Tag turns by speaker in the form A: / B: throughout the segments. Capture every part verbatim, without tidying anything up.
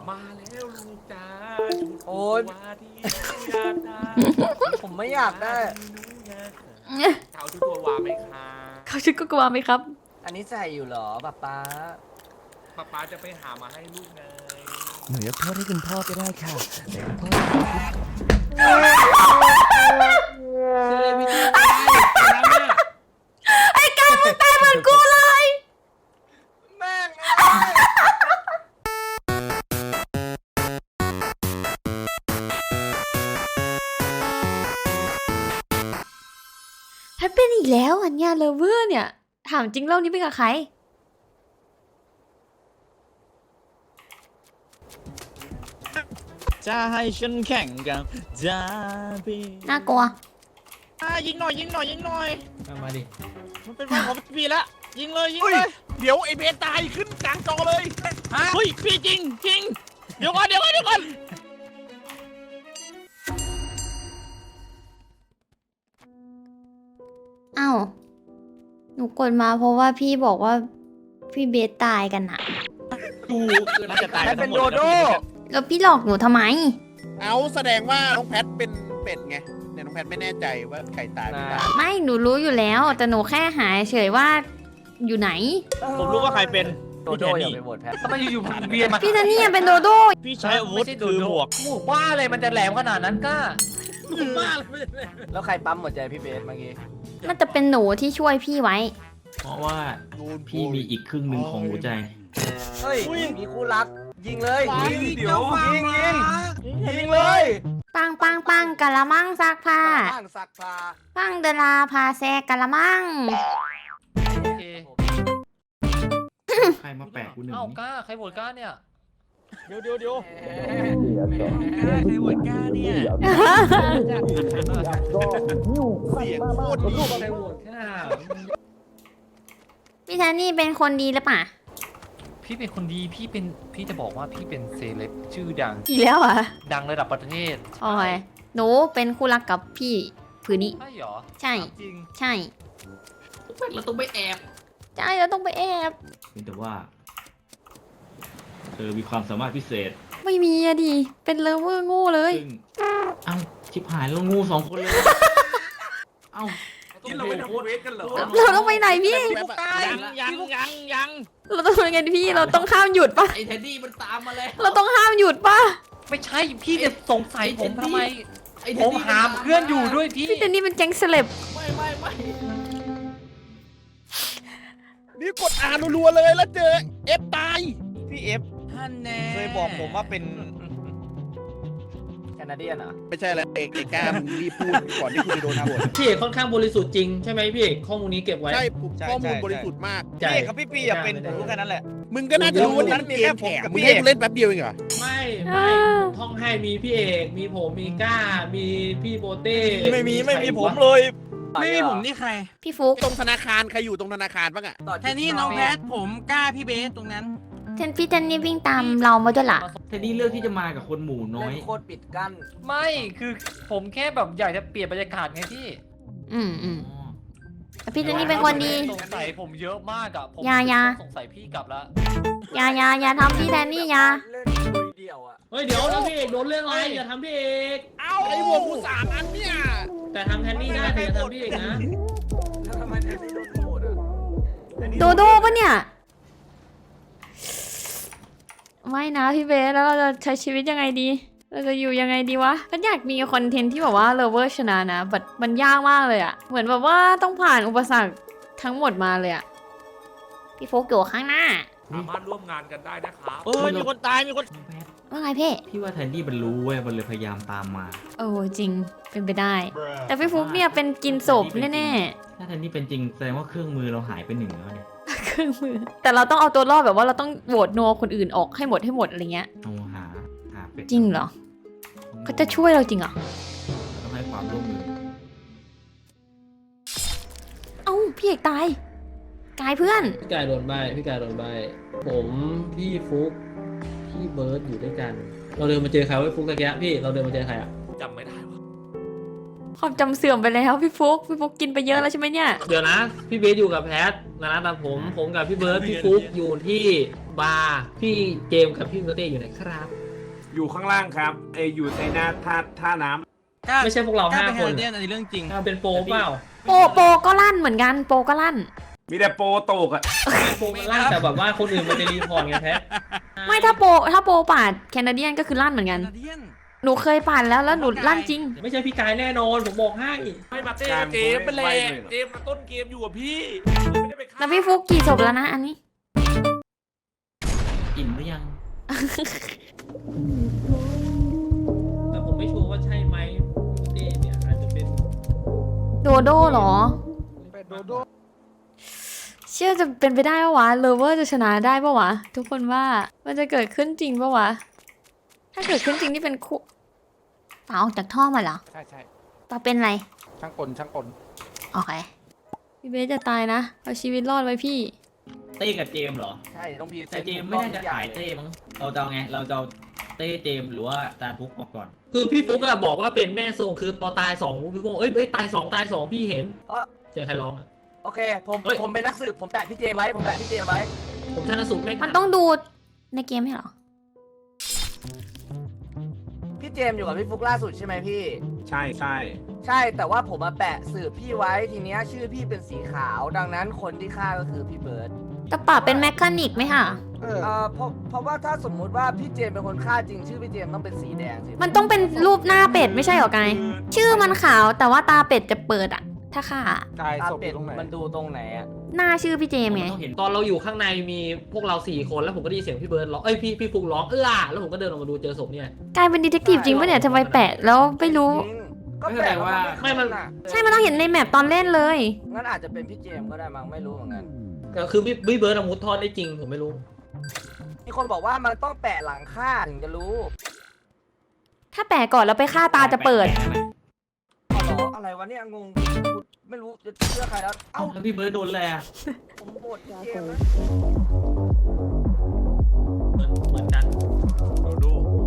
A: มาแล้วลูกจ้า
B: โอ๊ย
A: ว่าที่อยากได้
B: ผมไม่อยากได้
A: เจ้าทุกตัววาไหมคะ
C: เขาชุดก็กลัวไหมครับ
B: อันนี้ใส่อยู่เหรอป๊าป๊า
A: ป๊าป๊าจะไปหามาให้ลูกไง
D: หนูยกโทษให้คุณพ่อก็ได้ค่ะแต่คุณพ่อ
A: เซเลบิตี้ตายแล้วเนี่ย
C: ไอ้กายมึงตายเหมือนกูเลย
B: แม่ง
C: แพทเป็นอีกแล้วอันเนี้ยเลเวอร์เนี่ย ถามจริงเล่านี้เป็นกับใคร
E: จะให้ฉันแข่งกับจาบี
C: น่ากลัว
E: อ่ะยิงหน่อยยิงหน่อยยิงหน่อย
A: มาดิ
E: มันเป็นวันของพี่ละยิงเลยยิง
F: เฮ้ย
E: เลย
F: เดี๋ยวไอ้เบสตายขึ้นกลางจอเลยฮะ
E: เฮ้ยพี่จริงจริงเดี๋ยวก่อนเดี๋ยวก่อนเดี๋ยวก่อน
C: อ้าว หนูกดมาเพราะว่าพี่บอกว่าพี่เบสตายกันอะ
E: ถูกน่าจะตาย
B: แพ
E: กั
B: ท
E: น
B: เป็น
E: หม
B: โด
E: ด
B: โด
C: แล้วพี่หลอกหนูทำไม
F: เอาแสดงว่าน้องแพทเป็นเป็ดไงเนี่ยน้องแพทไม่แน่ใจว่าใครตายไม่ตาย
C: ไม่ หนูรู้อยู่แล้ว แต่หนูแค่หาเฉยว่าอยู่ไหน
E: ผมรู้ว่าใครเป็น
B: โดโดอย่าไปโหวตแพท
A: ทำไมอยู่ๆพันเวียนมา
C: พี่ซันนี่ยังเป็นโดโด
E: พี่ใช้อาวุธคือหมวก
A: หมูบ้าเลยมันจะแหลมขนาดนั้นก้า
E: บ้าเลย
B: แล้วใครปั๊มหัวใจพี่เบสเมื่อกี้
C: มันจะเป็นหนูที่ช่วยพี่ไว้
G: เพราะว่าพี่มีอีกครึ่งหนึ่งของหัวใจ
B: เฮ้ยมีคู่รัก ยิงเลย
F: ยิง
B: เดี๋ยวยิงยิงยิงเลย
C: ปังปังปังกะละมังซักผ้า
B: บ้างสักพา
C: ปังเดลาพาแซกะละมัง
A: โอเค
G: ใครมาแปะกูหนึ่ง
A: เอ้า
G: นี่
A: ก้าใครโหวตก้าเนี่ย
E: เดี๋ยวเดี๋ยวเดี๋ยว
F: ใครโหวตกล้าเนี่ยเสียงโคตรดี
A: ใครโหวตก้า
C: พี่ซันนี่เป็นคนดีหรือเปล่า
A: พี่เป็นคนดีพี่เป็นพี่จะบอกว่าพี่เป็นเซเลบชื่อดัง
C: อีกแล้วอ่ะ
A: ดังระดับประเทศ
C: โอ้ยหนูเป็นคู่รักกับพี่ผืนนี้
A: ใช่เหรอ
C: ใช่
A: จริง
C: ใช่
G: เราต้องไปแอบ
C: ใช่เราต้องไปแอบ
G: เพียงแต่ว่าเธอมีความสามารถพิเศษ
C: ไม่มีอะดิ เป็นเลเวอร์โง่เลย
G: ซึ่งเอ้าชิบหายแล้วงูสองคนเลย เอ้า
A: ที่เราไปทำเวทกันเหรอ
C: เราต้องไปไหนพี่
F: แบบอะ
E: ยังยังยังยัง
C: เราต้องยังไงดีพี่ เราต้องห้ามหยุดปะ
G: ไอ้เท็ดดี้มันตามมาแล้ว
C: เราต้องห้ามหยุดปะ
A: ไม่ใช่พี่จะสงสัยผมทำไม
G: ไอ้
A: ผ
G: เท็ด
A: ม
G: ดี้
A: หามเพื่อนอยู่ด้วยพี่
C: พี่เจนนี่เป็นแก๊งเซเลบ
G: ไม่ไม่ไม่
F: นี่กดอ่านรัวๆเลยแล้วเจอเอฟตาย
E: พี่เอฟ
A: ท่านแน่
E: เคยบอกผมว่าเป็น
B: แคนาเดียนเหรอ
F: ไม่ใช่แล้วเอกเอกล้ามึงรีบพูดก่อนที่คุณจะโดนโหวต
H: พี่เอกค่อนข้างบริสุทธิ์จริงใช่ไหมพี่เอกข้อมูลนี้เก็บไว้
F: ใช่ผมข้อมูลบริสุทธิ์มาก
H: ใช่
E: พี่เอกกับพี่ปีอย่าเป็นผมรู้แค่นั้นแหละ
F: มึงก็น่าจะรู้ว่านี่มันเกมแข่งมึงให้กูเล่นแป๊บเดียวเองเหรอ
H: ไม่ไม่ท่องให้มีพี่เอกมีผมมีก้า มีพี่โบเต้
E: ไม่มีไม่มีผมเลย
B: ไม่มีผมนี่
C: พี่ฟุก
F: ตรงธนาคารใครอยู่ตรงธนาคารบ้างอะ
B: แค่นี้น้องแพท
C: เจนพี่เจนนี่วิ่งตามเรามาด้วยล่ะ
G: เท็ดดี้เลือกที่จะมากับคนหมู่น้อย
B: เล่นโคตรปิดกั้น
A: ไม่คือผมแค่แบบอยากจะเปลี่ยนบรรยากาศไงพี่
C: อืมอืม
G: อ๋อ
C: แต่พี่เจนนี่เป็นคนดี
A: สงสัยผมเยอะมากอะผม
C: อย่าอย่า
A: สงสัยพี่กลับแล้ว
C: อย่าอย่าอย่าทำพี่แทนนี่อย่า
B: เล่นลุยเดี่ยวอ่ะ
H: เฮ้ยเดี๋ยวแล้วพี่เอกโดนเรื่องอะไรอย่าทำพี่เอก
F: เอาไอ้หัวกูสามอันเนี่ย
H: แต่ทำแทนนี่ได้แต่อย่าทำพี่เอกนะ
B: แล้วทำไมแทนนี่โดนโหวตอ่ะ
C: โดโดปะเนี่ย ไม่นะพี่เบสแล้วเราจะใช้ชีวิตยังไงดี เราจะอยู่ยังไงดีวะก็อยากมีคอนเทนต์ที่แบบว่าเลเวอร์ชนะนะแต่มันยากมากเลยอะเหมือนแบบว่าต้องผ่านอุปสรรคทั้งหมดมาเลยอะพี่โฟกอยู่ข้างหน้า
A: สามารถร่วมงานกันได้นะครับ
E: เอ้ยมีคนตายมีคน
C: ว่าไงเพ่
G: พี่ว่าแทนดี้มันรู้เว้ยมันเลยพยายามตามมา
C: โอ้จริงเป็นไปได้ แต่พี่ฟุกเนี่ยเป็นกินศพแน่
G: ถ้าแทนดี้เป็นจริงแสดงว่าเครื่องมือเราหายไปหนึ่งแล้วเนี่ย
C: ๆเครื่องมือ แต่เราต้องเอาตัวรอดแบบว่าเราต้องโหวตนัวคนอื่นออกให้หมดให้หมดอะไรเงี้ย
G: เอาหาหาเป็ด
C: จริงเหรอเขาจะช่วยเราจริงเหรอ
G: ต้องให้ความร่วมมือ
C: เอ้าพี่เอกตายกายเพื่อน
H: พี่กายโดนใบพี่กายโดนใบผมพี่ฟุกพี่เบิร์ดอยู่ด้วยกัน เราเดินมาเจอใครไว้ฟุกตะเกียะพี่เราเดินมาเจอใครอ่ะ
A: จำไม่ได้วะ
C: ความจำเสื่อมไปแล้วพี่ฟุกพี่ฟุกกินไปเยอะแล้วใช่ไหมเนี่ย
H: เดี๋ยวนะ พี่เบสอยู่กับแพทนะนะแต่ผมผมกับพี่เบิร์ดพี่ฟุกอยู่ที่บาร์พี่เจมส์กับพี่เบอร์เต้อยู่ไหนครับ
I: อยู่ข้างล่างครับเอยอยู่ในหน้าท่าท่าน้ำ
H: ไม่ใช่พวกเราห้าคน
E: เรื่องอันนี้เรื่องจริง
H: อ่าเป็นโปรเปล่า
C: โปโปก็ลั่นเหมือนกันโปก็ลั่น
I: มีแต่โปรโตกอะ
H: โปรมันลั่นแต่แบบว่าคนอื่นมันจะรีพอร์ตไงแพท
C: ไม่ถ้าโปถ้าโปปาดแคนาเดียนก็คือลั่นเหมือนกัน หนูเคยปาดแล้วแล้วหนูลั่นจริง
H: ไม่ใช่พี่กายแน่นอนผมบอกให้
I: ไม่มาเต้เจมเป็นแหละเจมมาต้นเกมอยู่กับพี่ไม่ได้ไปฆ่า
C: แล้วพี่ฟุกกี่ศพแล้วนะอันนี้
G: อิ่มหรือยัง
H: แต่ผมไม่ชัวร์ว่าใช่ไหมเต้เนี่ยอาจจะเป็น
C: โดโดเหรอ
F: โดโด
C: เชื่อจะเป็นไปได้ปะวะเลเวอร์จะชนะได้ปะวะ ทุกคนว่ามันจะเกิดขึ้นจริงปะวะ ถ้าเกิดขึ้นจริงนี่เป็นคู่ปาออกจากท่อมาเหรอ
F: ใช่ใช่
C: ปาเป็นไร
F: ช่างกลช่างกล
C: โอเคพี่เบสจะตายนะเอาชีวิตรอดไว้พี่
G: เต้กับเจมส์เหรอ
B: ใช่ต้องพี
G: แต่เจมส์ไม่น่าจะขายเต้มั้งเราจะเอาไงเราจะเอาเต้เจมส์หรือว่าตาทุกออกก่อน
H: คือพี่ฟุกอะบอกว่าเป็นแม่ทรงคือพอตายสองพี่ฟุกบอกเอ้ยเอ้ยตายสองตายสองพี่เห็น
B: เอ้อ
H: เจอใครร้องอะ
B: โอเคผม
H: เฮ้ย
B: ผมเป็นนักสืบผมแตะพี่เจมไว้ผมแตะพี่เจมไว้
H: ผมชันสูตรไม่
C: มันต้องดูในเกมไม่เหรอ
B: พี่เจมอยู่กับพี่ฟุกล่าสุดใช่ไหมพี่
I: ใช่ใช่
B: ใช่แต่ว่าผมมาแปะสืบพี่ไว้ทีเนี้ยชื่อพี่เป็นสีขาว ดังนั้นคนที่ฆ่าก็คือพี่เบิร์ด
C: แต่ป่าเป็นแมคคานิกไหมคะ
F: เออ
B: เอ่อเพราะเพราะว่าถ้าสมมุติว่าพี่เจมเป็นคนฆ่าจริงชื่อพี่เจมต้องเป็นสีแดงสิ
C: มันต้องเป็นรูปหน้าเป็ดไม่ใช่เหรอกายชื่อมันขาวแต่ว่าตาเป็ดจะเปิดอะถ้าฆ่า
F: ตาย
B: ตา
F: ศพอ
B: เป็ด
F: ยู่ตรงไหน
B: มันดูตรงไหนอะ
C: หน้าชื่อพี่เจมส์ไง
G: ต้องเห็น
H: ตอนเราอยู่ข้างในมีพวกเราสี่คนแล้วผมก็ได้ยินเสียงพี่เบิร์ดร้องเอ้ยพี่พี่ฟุกร้องเอื้อแล้วผมก็เดินออกมาดูเจอศพเนี่ย
C: กลายเป็นดีเทคทีฟจริงปะเนี่ยทำไมแปะแล้วไม่รู้
B: จริงก็แปลว่า
H: ไม่มัน
C: ใช่มันต้องเห็นในแมปตอนเล่นเลย
B: งั้นอาจจะเป็นพี่เจมก็ได้มั้งไม่รู้เหมือนกัน
H: ก็คือพี่พี่เบิร์ดอะมุดทอดได้จริงผมไม่รู้
B: มีคนบอกว่ามันต้องแปะหลังฆ่าถึงจะรู้
C: ถ้าแปะก่อนแล้วไปฆ่าตาจะเปิด
B: อ๋อเหรออะไรวะเนี่ยงงไม่รู้จะเชื่อใครแล้ว
G: เอ้า
B: เอ้า
G: แล้วพี่เบิร์ดโดนอะไรอะ
B: ผมโหวตพี่เจมนะ
H: เหมือนเหมือนกัน
I: โดโด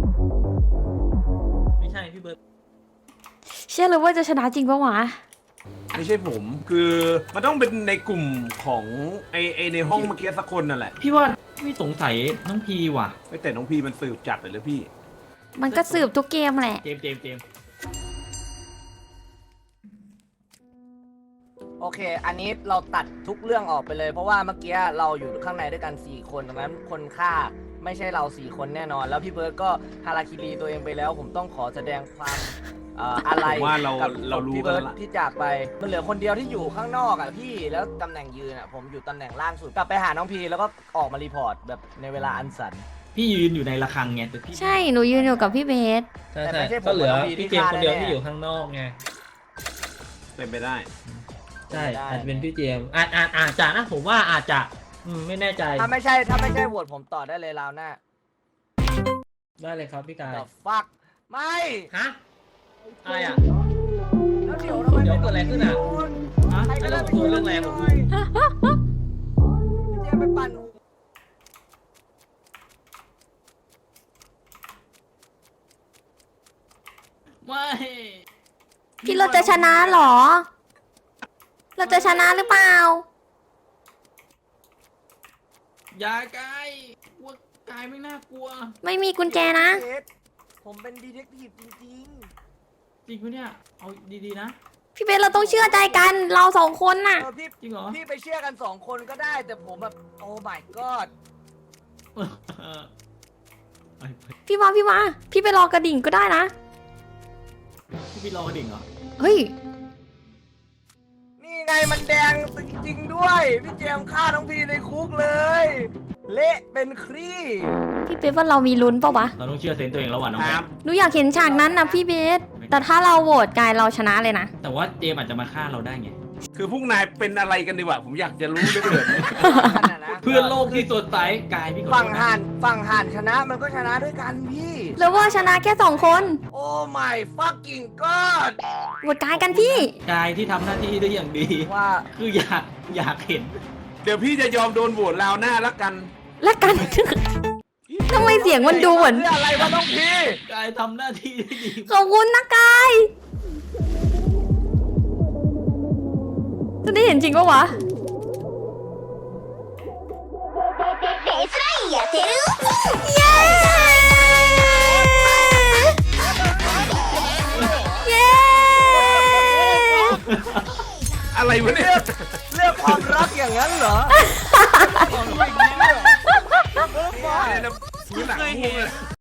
H: ไม่ใช่พี่เบิร์ด
C: เชื่อเลยว่าจะชนะจริงปะวะ
I: ไม่ใช่ผมคือมันต้องเป็นในกลุ่มของไอไอในห้องเมื่อกี้สักคนนั่นแหละ
G: พี่ว่าไม่สงสัยน้องพีว่ะ
I: ไม่แต่น้องพี่มันสืบจัดเลยเลยพี่
C: มันก็สืบทุกเกมแหละ
G: เจมส์เจมส์เจมส์
B: โอเค อันนี้เราตัดทุกเรื่องออกไปเลย เพราะว่าเมื่อกี้เราอยู่ข้างในด้วยกันสี่คนดังนั้นคนฆ่าไม่ใช่เราสี่คนแน่นอน แล้วพี่เบิร์ดก็ฮาราคิรีตัวเองไปแล้ว ผมต้องขอแสดงความเอ่ออะไร
I: ผมว่าเรา
B: กับ
I: เรารู้
B: พี่
I: กัน
B: เบิร์ด
I: ละ
B: ที่จากไปมันเหลือคนเดียวที่อยู่ข้างนอกอ่ะพี่แล้วตำแหน่งยืนอ่ะผมอยู่ตำแหน่งล่างสุดกลับไปหาน้องพีแล้วก็ออกมารีพอร์ตแบบในเวลาอันสัน
G: พี่ยืนอยู่ในระฆังไงแต่พี่
C: ใช่หนูยืนอยู่กับพี่เบส
H: ใช่
B: แต่
H: ใช่
B: ไม่ใช่ผม
H: ก็เหลือ
B: กับน้องพี
H: พี่
B: ที่
H: เจมส์คนเดียว
B: ฆ่าแน่ๆ
H: ที่อยู่ข้างนอกไง
I: เป็นไปได้
H: ใช่
B: ได้
H: อาจจะเป็นพี่เจมส์อาจอาจอาจจะนะผมว่าอาจจะอืมไม่แน่ใจ
B: ถ้าไม่ใช่ถ้าไม่ใช่โหวตผมต่อได้เลยราวหน้า
H: ได้เลยครับพี่กาย
B: The fuck ไม่
H: ฮะอะไรอ่ะ
B: แล้วเดี๋ยวทำไม
H: เดี๋ยวเกิดอะไรขึ้นอะ
B: ฮะ
H: ไอ้เรื่องตัวเรื่องอะไรผม
B: พี่เจมไปปั่น
G: ไม่
C: พี่เราจะชนะเหรอ เราจะชนะหรือเปล่า
G: อย่ากายกลัวกายไม่น่ากลัว
C: ไม่มีกุญแจนะ
B: เจผมเป็นดีเทคทีฟจริง
G: จริงปะเนี่ยเอาดีๆนะ
C: พี่เบสเราต้องเชื่อใจกันเราสองคน
B: ๆ
C: น่ะ
B: เออพี่
G: จริงเหรอ
B: พี่ไปเชื่อกันสองคนก็ได้แต่ผมแบบโอ้ my god
C: พี่มาพี่มาพี่ไปรอกระดิ่งก็ได้นะ
G: พี่พี่รอกระดิ่งเหรอ
C: เฮ้ย
B: นี่ไงมันแดงจริงๆด้วย พี่เจมฆ่าน้องพีในคุกเลย เละเป็นครี่
C: พี่เบสว่าเรามีลุ้นปะวะ
G: เราต้องเชื่อเซนส์ตัวเองแล้วว่ะน้อง
I: ค
G: แพ
I: รับ
G: ท
C: หนูอยากเห็นฉากนั้นนะพี่เบส แต่ถ้าเราโหวตกายเราชนะเลยนะ
G: แต่ว่าเจมส์อาจจะมาฆ่าเราได้ไง
I: คือพวกนายเป็นอะไรกันดีวะผมอยากจะรู้เหลือเกิน
B: นั่นน่ะนะ
G: เพื่อนโลกที่สดใสกายพี่ขอโทษ
B: ฝั่ง
G: นะ
B: ห่านฝั่งห่านชนะมันก็ชนะด้วยกันพี่
C: แล้วว่าชนะแค่สองคน
B: โอ้ my fucking god
C: โหวตกายกันพี่
G: กายที่ทำหน้าที่ได้อย่างดี
B: ว่า
G: คืออยากอยากเห็น
I: เดี๋ยวพี่จะยอมโดนโหวตราวหน้าแล้วกัน
C: และกัน ทำไมเสียงมันดูเหมือน
B: เพื่ออะไรวะน้องพี
G: กายทำหน้าที่ได้ดี
C: ขอบคุณนะกายจะได้เห็นจริงปะวะเย้ เย้
I: อะไรวะเนี่ย
B: เรื่องความรักอย่างนั้นเหรอ
I: เนี่ยนะซื้อหนังงูเลย